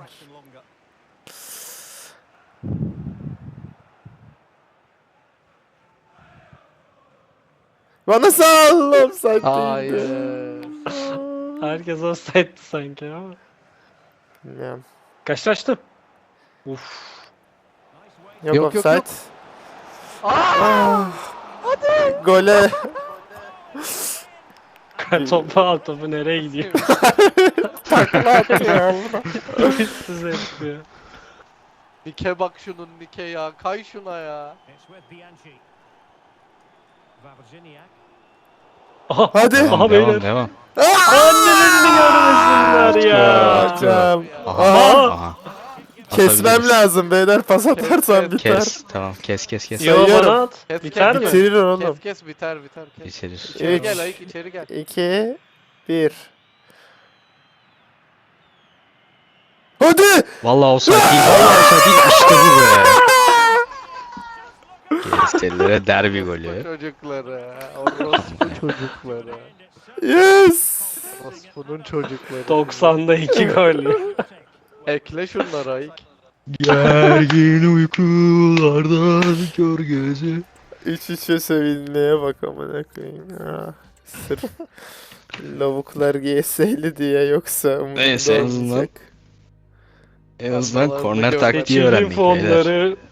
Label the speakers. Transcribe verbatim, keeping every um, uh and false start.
Speaker 1: var. Bana sal offside
Speaker 2: Hayır.
Speaker 1: değildi.
Speaker 3: Herkes offside'di sanki ama.
Speaker 1: Bilmiyorum.
Speaker 3: Kaçlaştı. Uf.
Speaker 1: Yok,
Speaker 2: Yok, yok,
Speaker 1: offside.
Speaker 2: yok.
Speaker 1: Ah. Gole.
Speaker 3: Topu al, topu nereye gidiyor?
Speaker 1: Takla attı ya burada.
Speaker 3: Üstsüz yapıyor.
Speaker 2: Nike bak şunun Nike ya. Kay şuna ya.
Speaker 3: Aha.
Speaker 1: Hadi.
Speaker 3: Aha
Speaker 4: Devam,
Speaker 3: beyler.
Speaker 4: devam, devam.
Speaker 3: Annelerini görmesinler ya.
Speaker 1: Hocam.
Speaker 4: Aha,
Speaker 1: Aha.
Speaker 4: aha.
Speaker 1: Kesmem
Speaker 4: Atabiliriz.
Speaker 1: lazım beyler. Pas atarsan
Speaker 2: Kes,
Speaker 1: biter.
Speaker 4: Kes, tamam, kes, kes, kes.
Speaker 3: Yo
Speaker 1: Sayıyorum.
Speaker 3: bana at.
Speaker 2: Kes,
Speaker 3: Biter
Speaker 2: kes,
Speaker 3: mi?
Speaker 1: Bitirir oğlum.
Speaker 2: Kes kes biter biter kes.
Speaker 4: İçerir.
Speaker 2: İçeri
Speaker 1: Üç.
Speaker 2: gel Ayık içeri gel.
Speaker 1: iki bir. Hadi.
Speaker 4: Vallahi offside değil, vallahi offside değil. İşte bu be. Gençlere derbi
Speaker 2: Orospu
Speaker 4: golü.
Speaker 2: çocukları. Orospu çocukları.
Speaker 1: Yes.
Speaker 2: Orospu'nun çocukları.
Speaker 3: doksan'da iki gol.
Speaker 2: Ekle şunları Ayık.
Speaker 4: Gergin uykulardan kör gözü.
Speaker 1: İç içe sevinmeye bak amına koyayım. Ah, sırf lavuklar G S'li diye yoksa umurumda
Speaker 4: Neyse, en azından-
Speaker 1: olmayacak.
Speaker 4: En azından
Speaker 2: Vallahi
Speaker 4: korner
Speaker 2: bu
Speaker 4: taktiği
Speaker 3: Seçilim
Speaker 4: öğrendik beyler.
Speaker 3: fonları